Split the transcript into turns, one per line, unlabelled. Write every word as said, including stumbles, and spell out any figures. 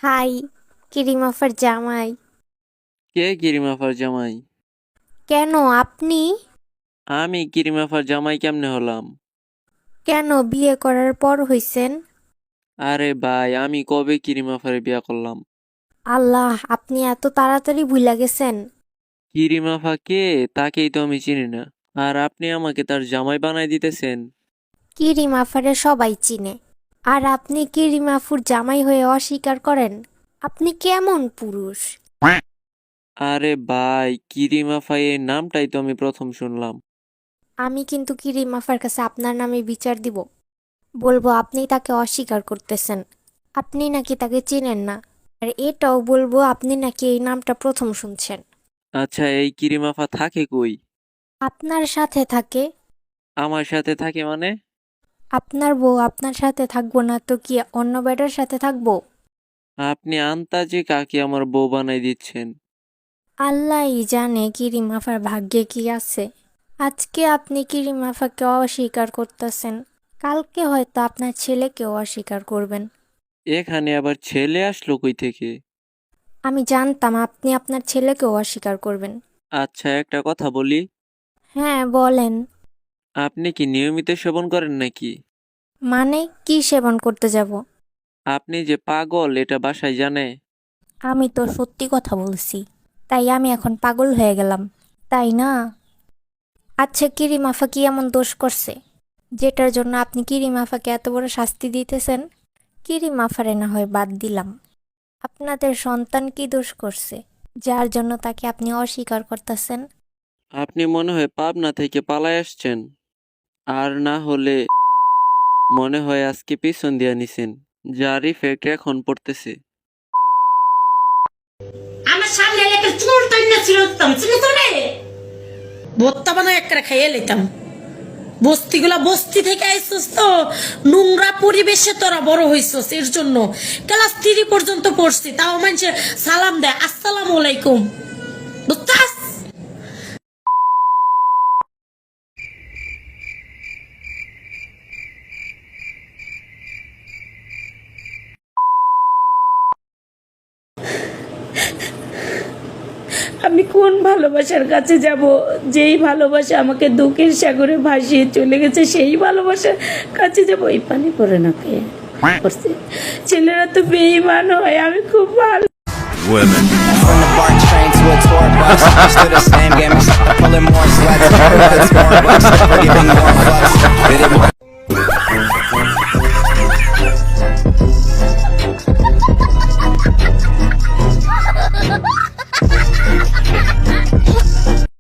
High, কিরিম আফার জামাই।
কে কিরিমাফার জামাই?
কেন আপনি?
আমি কিরিমাফার জামাই কেমনে হলাম?
কেন বিয়ে করার পর হইছেন?
আরে ভাই, আমি কবে কিরিমাফারে বিয়া করলাম?
আল্লাহ, আপনি এত তাড়াতাড়ি ভুইলা গেছেন।
কিরিমাফা কে তাকেই তো আমি চিনি না, আর আপনি আমাকে তার জামাই বানাই দিতেছেন?
কিরিম আফারে সবাই চিনে, আর আপনি কিরিম আফুর জামাই হয়ে অস্বীকার করেন? আপনি কেমন পুরুষ?
আরে ভাই, কিরিমাফা এই নামটাই তো আমি প্রথম শুনলাম।
আমি কিন্তু কিরিম আফার কাছে আপনার নামে বিচার দিব। বলবো আপনি তাকে অস্বীকার করতেছেন, আপনি নাকি তাকে চিনেন না। আর এটাও বলবো আপনি নাকি এই নামটা প্রথম শুনছেন।
আচ্ছা, এই কিরিমাফা থাকে কই?
আপনার সাথে থাকে।
আমার সাথে থাকে মানে?
আপনার বউ আপনার সাথে থাকবো না তো কি অন্য বেটার সাথে থাকবো?
আপনি আন্তাজে কাকে আমার বউ বানাই দিচ্ছেন?
আল্লাহই জানে কিরিমাফার ভাগ্যে কি আছে। আজকে আপনি কিরিমাফাকে অস্বীকার করতেছেন, কালকে হয়তো আপনার ছেলেকেও অস্বীকার করবেন।
এখানে আবার ছেলে আসলো কই থেকে?
আমি জানতাম আপনি আপনার ছেলেকেও অস্বীকার করবেন।
আচ্ছা, একটা কথা বলি।
হ্যাঁ বলেন।
আপনি কি নিয়মিত সেবন করেন নাকি?
মানে কি সেবন করতে যাব?
আপনি যে পাগল এটা বাসায় জানে?
আমি তো সত্যি কথা বলছি, তাই আমি এখন পাগল হয়ে গেলাম, তাই না? আচ্ছা, কিরিমাফা কি এমন দোষ করছে যেটার জন্য আপনি কিরিমাফাকে এত বড় শাস্তি দিতেছেন? কিরিমাফারে না হয় বাদ দিলাম, আপনাদের সন্তান কি দোষ করছে যার জন্য তাকে আপনি অস্বীকার করতেছেন?
আপনি মনে হয় পাবনা থেকে পালায় আসছেন, আর না হলে মনে হয় আজকে পিছন দিয়া নিছেন, যার ইফেক্ট এখন পড়তেছে।
আমার সামনে এলে একটা চুল টাইনা ছিল উত্তম ছিল তো রে ভত্তা বানায় একটা খাইয়ে লেতাম। বস্তিগুলা বস্তি থেকে আইসস তো, নোংরা পরিবেশে তোরা বড় হইছস, এর জন্য ক্লাস থ্রি পর্যন্ত পড়ছি, তাও মানুষে সালাম দেয় আসসালামু আলাইকুম, বুঝতাস? আমি কোন ভালোবাসার কাছে যাব, যেই ভালোবাসা আমাকে দুঃখের সাগরে ভাসিয়ে চলে গেছে, সেই ভালোবাসার কাছে যাব? এই পানি পড়ে না কে করছে? ছেলেরা তো বেঈমান হয়, আমি খুব ভালো।
Women. From the BART train to a tour bus, still the same game except I'm pulling more sluts. It's more bucks, never giving more fucks. Did it